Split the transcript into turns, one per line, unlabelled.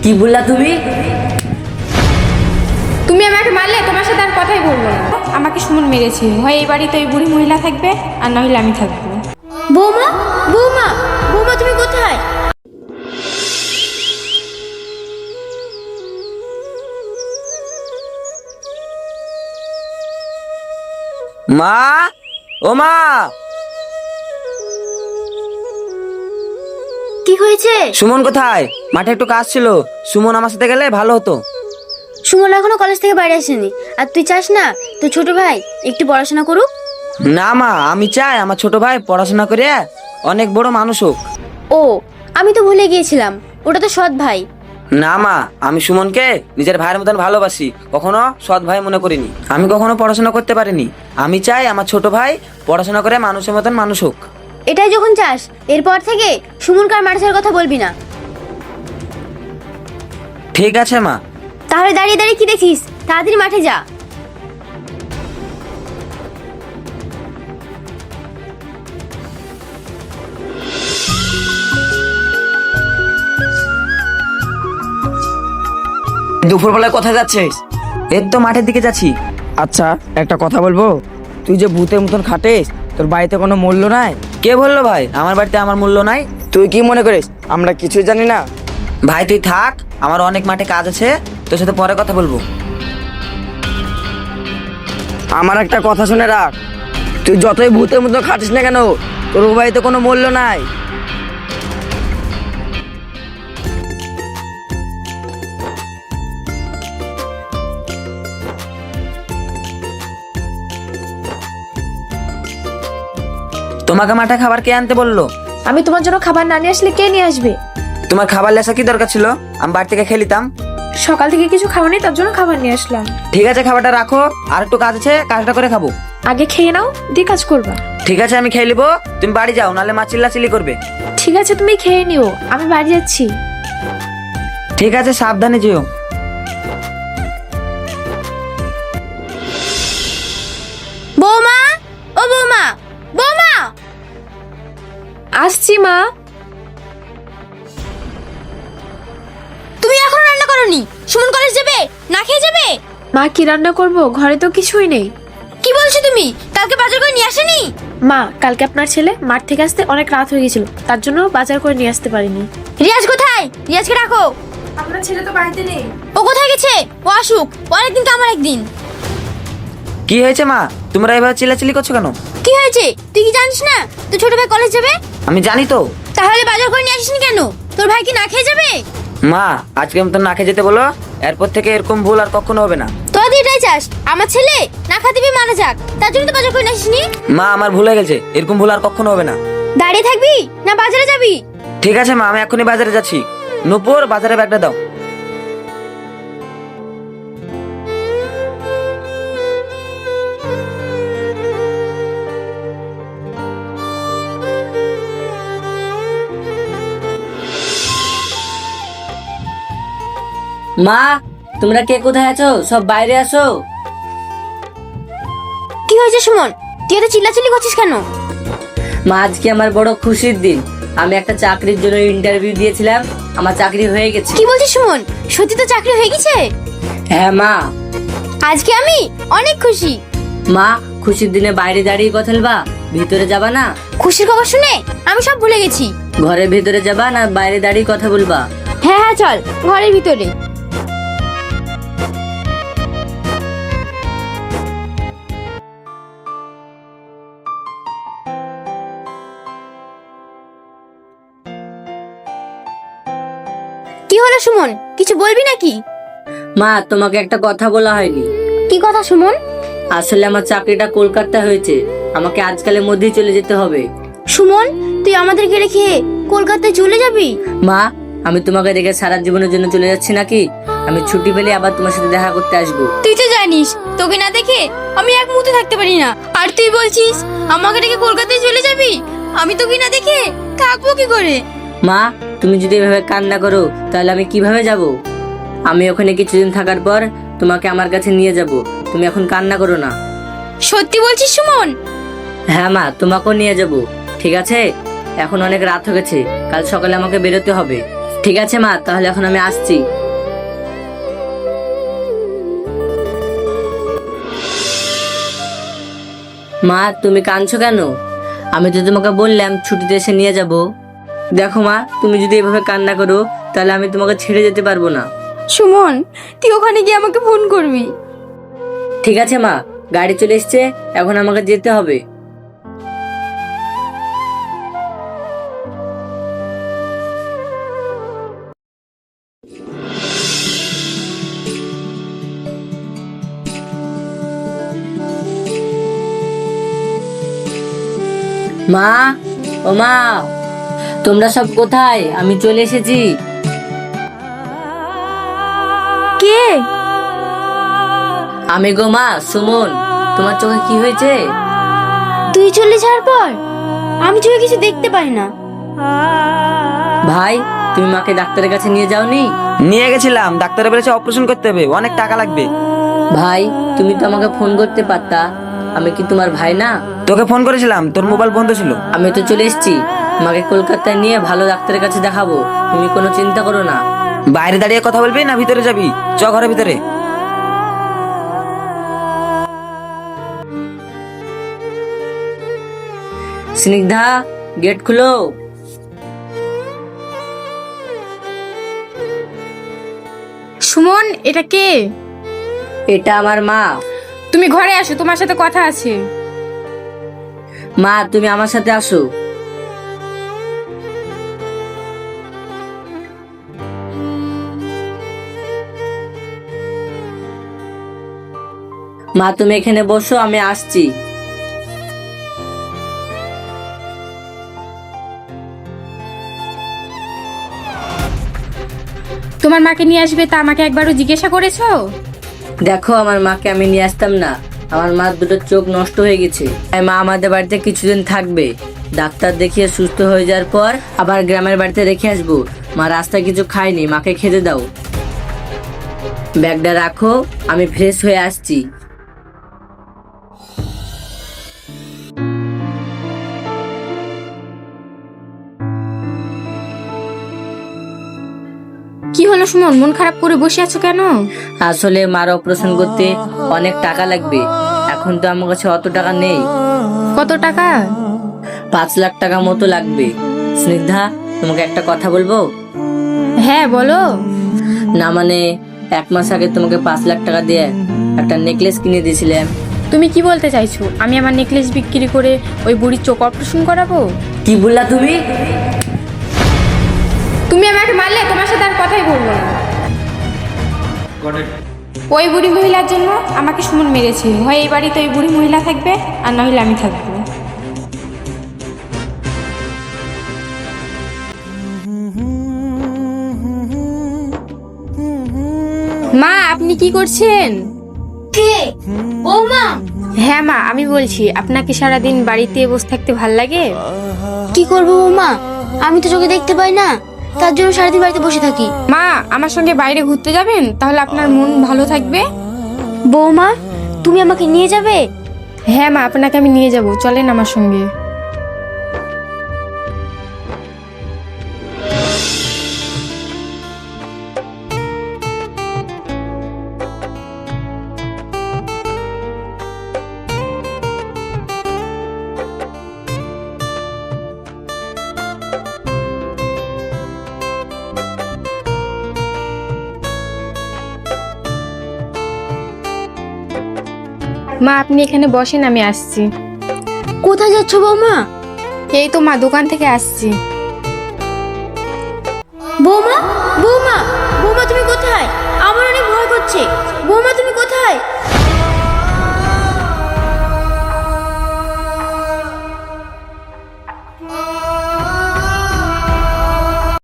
কি বললা তুমি?
তুমি আমাকে মারলে তোমার সাথে আর কথাই বলবো না। আমাকে সুমন মেরেছে, হয় এই বাড়িতে ওই বুড়ি মহিলা থাকবে আর না হলে আমি থাকবো।
বৌমা বৌমা বৌমা তুমি কোথায়?
মা, ও মা,
কি হয়েছে?
সুমন কোথায়? মাঠে একটু কাজ ছিল, সুমন আমার সাথে গেলে ভালো হতো।
সুমন এখনো কলেজ থেকে বাইরে আসেনি, আর তুই চাস না তোর ছোট ভাই একটু পড়াশোনা করুক?
না মা, আমি চাই আমার ছোট ভাই পড়াশোনা করে অনেক বড় মানুষ হোক।
ও, আমি তো ভুলে গিয়েছিলাম, ওটা তো সৎ ভাই।
না মা, আমি সুমনকে নিজের ভাইয়ের মতন ভালোবাসি, কখনো সৎ ভাই মনে করিনি। আমি কখনো পড়াশোনা করতে পারিনি, আমি চাই আমার ছোট ভাই পড়াশোনা করে মানুষের মতন মানুষ হোক।
এটাই যখন চাস, এরপর থেকে সুমনকে আর মাঠে যাওয়ার কথা বলবি না।
ঠিক আছে মা।
তাহলে দাঁড়িয়ে দাঁড়িয়ে কি দেখিস, তাড়াতাড়ি মাঠে যা।
দুপুরবেলায় কোথায় যাচ্ছিস? এই তো মাঠের দিকে যাচ্ছি।
আচ্ছা, একটা কথা বলবো? তুই যে ভূতের মতন খাটিস, তোর বাড়িতে কোনো মূল্য নাই?
কে বললো ভাই আমার বাড়িতে আমার মূল্য নাই?
তুই কি মনে করিস আমরা কিছুই জানি না?
ভাই তুই থাক, আমার অনেক মাঠে কাজ আছে, তোর সাথে পরে কথা বলবো।
আমার একটা কথা শুনে রাখ, তুই যতই ভূতের মতো খাটিস না কেন, তোর বাড়িতে কোনো মূল্য নাই।
তোমাকে মাঠে খাবার কে আনতে বললো?
আমি তোমার জন্য খাবার না নিয়ে আসলে কে নিয়ে আসবে?
তোমার খাবার লেসা কি দরকার ছিল? আমি বাড়ি থেকে খেলিতাম।
সকাল থেকে কিছু খাওয়া নেই, তার জন্য খাবার নিয়ে আসলাম।
ঠিক আছে, খাবারটা রাখো, আর একটু কাজ আছে, কাজটা করে খাবো।
আগে খেয়ে নাও, দিয়ে কাজ করবা।
ঠিক আছে, আমি খেয়ে নিবো, তুমি বাড়ি যাও, নাহলে মা চিল্লাচিল্লি করবে।
ঠিক আছে, তুমি খেয়ে নিও, আমি বাড়ি যাচ্ছি।
ঠিক আছে, সাবধানে যেও।
বৌমা, ও বৌমা, বৌমা!
আসছি মা।
তুমি এখন রান্না করনি? সুমন কলেজ যাবে, না খেয়ে যাবে?
মা, কি রান্না করব? ঘরে তো কিছুই নেই।
কি বলছো তুমি? কালকে বাজার করে নিয়ে আসেনি?
মা, কালকে আপনার ছেলে মাঠ থেকে আসতে অনেক রাত হয়ে গেছিল, তার জন্য বাজার করে নিয়ে আসতে পারিনি।
রিয়াজ কোথায়? রিয়াজকে রাখো।
আপনার ছেলে তো বাড়িতে নেই।
ও কোথায় গেছে? ও আসুক, ও একদিন তো আমার একদিন।
কি হয়েছে মা, তোমরা এভাবে চিল্লাচিল্লি করছো কেন?
কি হয়েছে তুই কি জানিস না তোর ছোট ভাই কলেজ যাবে?
আমি জানি তো।
তাহলে বাজার করে নিয়ে আসিসনি কেন? তোর ভাই কি না খেয়ে যাবে?
মা, আজকের মতন না খেয়ে যেতে বলো, এরপর থেকে এরকম ভুল আর কখনো হবে না।
তোরা তো এটাই চাস আমার ছেলে না খাতে পেয়ে মারা যাক, তার জন্য তো বাজার করে নিয়ে আসিসনি।
মা, আমার ভুল হয়ে গেছে, এরকম ভুল আর কখনো হবে না।
দাঁড়িয়ে থাকবি না বাজারে যাবি?
ঠিক আছে মা, আমি এখনই বাজারে যাচ্ছি। নূপুর, বাজারে ব্যাগটা দাও।
মা, তোমরা কে কোথায় আছো? সব বাইরে আসো।
কি হয়েছে সুমন, তুই এত চিল্লাচিল্লি করছিস কেন?
মা, আজকে আমার বড় খুশির দিন। আমি একটা চাকরির জন্য ইন্টারভিউ দিয়েছিলাম, আমার চাকরি হয়ে গেছে।
কি বলছিস সুমন, সত্যি তো চাকরি হয়ে গেছে?
হ্যাঁ মা।
আজকে আমি অনেক খুশি।
মা, খুশির দিনে বাইরে দাঁড়িয়ে কথা বলবা, ভিতরে যাবা না?
খুশির খবর শুনে আমি সব ভুলে গেছি।
ঘরের ভিতরে যাবা না বাইরে দাঁড়িয়ে কথা বলবা?
হ্যাঁ হ্যাঁ, চল ঘরের ভিতরে। কি হলো সুমন, কিছু বলবি নাকি?
মা, তোমাকে একটা কথা বলা হয়নি।
কি কথা সুমন?
আসলে আমার চাকরিটা কলকাতা হয়েছে, আমাকে আজকালের মধ্যেই চলে যেতে হবে।
সুমন, তুই আমাদেরকে রেখে কলকাতায় চলে যাবি?
মা, আমি তোমাকে রেখে সারা জীবনের জন্য চলে যাচ্ছি নাকি? আমি ছুটি পেলে আবার তোমার সাথে দেখা করতে আসবো।
তুই তো জানিস তোকে না দেখে আমি এক মুহূর্তে থাকতে পারি না, আর তুই বলছিস আমাকে রেখে কলকাতায় চলে যাবি? আমি তোকে না দেখে থাকবো কি করে?
মা, তুমি যদি এভাবে কান্না করো তাহলে আমি কিভাবে যাব? আমি ওখানে কিছুদিন থাকার পর তোমাকে আমার কাছে নিয়ে যাব, তুমি এখন কান্না করো না।
সত্যি বলছিস সুমন?
হ্যাঁ মা, তোমাকেও নিয়ে যাব। ঠিক আছে, এখন অনেক রাত হয়ে গেছে, কাল সকালে আমাকে বেরোতে হবে। ঠিক আছে মা, তাহলে এখন আমি আসছি। মা, তুমি কাঁদছো কেন? আমি তো তোমাকে বললাম ছুটিতে এসে নিয়ে যাব। দেখো মা, তুমি যদি এভাবে কান্না করো তাহলে আমি তোমাকে ছেড়ে যেতে পারবো না।
সুমন, তুই ওখানে গিয়ে আমাকে ফোন করবি।
ঠিক আছে মা, গাড়ি চলে এসছে, এখন আমাকে যেতে হবে। মা, ও মা, তোমরা সব কোথায়? আমি চলে এসেছি।
কে?
আমি গো মা, সুমন। তোমার চোখে কি হয়েছে?
তুই চলে যাওয়ার পর আমি চোখে কিছু দেখতে পাই না।
ভাই, তুমি মাকে ডাক্তারের কাছে নিয়ে যাওনি?
নিয়ে গেছিলাম, ডাক্তারে বলেছে অপারেশন করতে হবে, অনেক টাকা লাগবে।
ভাই, তুমি তো আমাকে ফোন করতে পারতা। আমি কি তোমার ভাই না?
তোকে ফোন করেছিলাম, তোর মোবাইল বন্ধ ছিল।
আমি তো চলে এসেছি। মাকে কলকাতায় নিয়ে ভালো ডাক্তারের কাছে দেখাবো, তুমি কোনো চিন্তা করো না।
বাইরে দাঁড়িয়ে কথা বলবি না ভিতরে যাবি? চ ঘরের ভিতরে।
স্নিগ্ধা, গেট খুলো।
সুমন, এটা কে?
এটা আমার মা।
তুমি ঘরে আসো, তোমার সাথে কথা আছে।
মা, তুমি আমার সাথে আসো। মা, তুমি এখানে বসো, আমি আসছি।
তোমার মাকে নিয়ে আসবে তা আমাকে একবারও জিজ্ঞাসা করেছো?
দেখো, আমার মাকে আমি নিয়ে আসতাম না। আমার মার দুটো চোখ নষ্ট হয়ে গেছে, তাই মা আমাদের বাড়িতে কিছুদিন থাকবে। ডাক্তার দেখিয়ে সুস্থ হয়ে যাওয়ার পর আবার গ্রামের বাড়িতে রেখে আসবো। মা রাস্তায় কিছু খায়নি, মাকে খেতে দাও। ব্যাগটা রাখো, আমি ফ্রেশ হয়ে আসছি।
কি হলো সুমন, মন খারাপ করে বসে আছো কেন?
আসলে মার অপারেশন করতে অনেক টাকা লাগবে। এখন তো আমার কাছে অত টাকা নেই।
কত টাকা?
5 লাখ টাকা মতো লাগবে। স্নিগ্ধা, তোমাকে একটা কথা বলবো?
হ্যাঁ, বলো।
না মানে, 1 মাস আগে তোমাকে 5 লাখ টাকা দিয়ে একটা নেকলেস কিনে দিয়েছিলাম।
তুমি কি বলতে চাইছো? আমি আমার নেকলেস বিক্রি করে ওই বুড়ির চোখ অপারেশন করাবো?
কি বললা তুমি?
তুমি আমাকে মারলে তোমার সাথে আর কথাই বলবো না। ওই বুড়ি মহিলার জন্য আমাকে সুমন মেরেছে। হয় এই বাড়িতে ওই বুড়ি মহিলা থাকবে, আর নইলে আমি থাকবো। মা, আপনি কি করছেন?
কে? বৌমা?
হ্যাঁ মা, আমি বলছি, আপনাকে সারাদিন বাড়িতে বসে থাকতে ভাল লাগে?
কি করবো বৌমা, আমি তো চোখে দেখতে পাই না, তার জন্য সারাদিন বাড়িতে বসে থাকি।
মা, আমার সঙ্গে বাইরে ঘুরতে যাবেন? তাহলে আপনার মন ভালো থাকবে।
বৌমা, তুমি আমাকে নিয়ে যাবে?
হ্যাঁ মা, আপনাকে আমি নিয়ে যাব, চলেন আমার সঙ্গে। মা, আপনি এখানে বসেন, আমি আসছি।
কোথায় যাচ্ছ বৌমা?
এই তো মা, দোকান থেকে আসছি।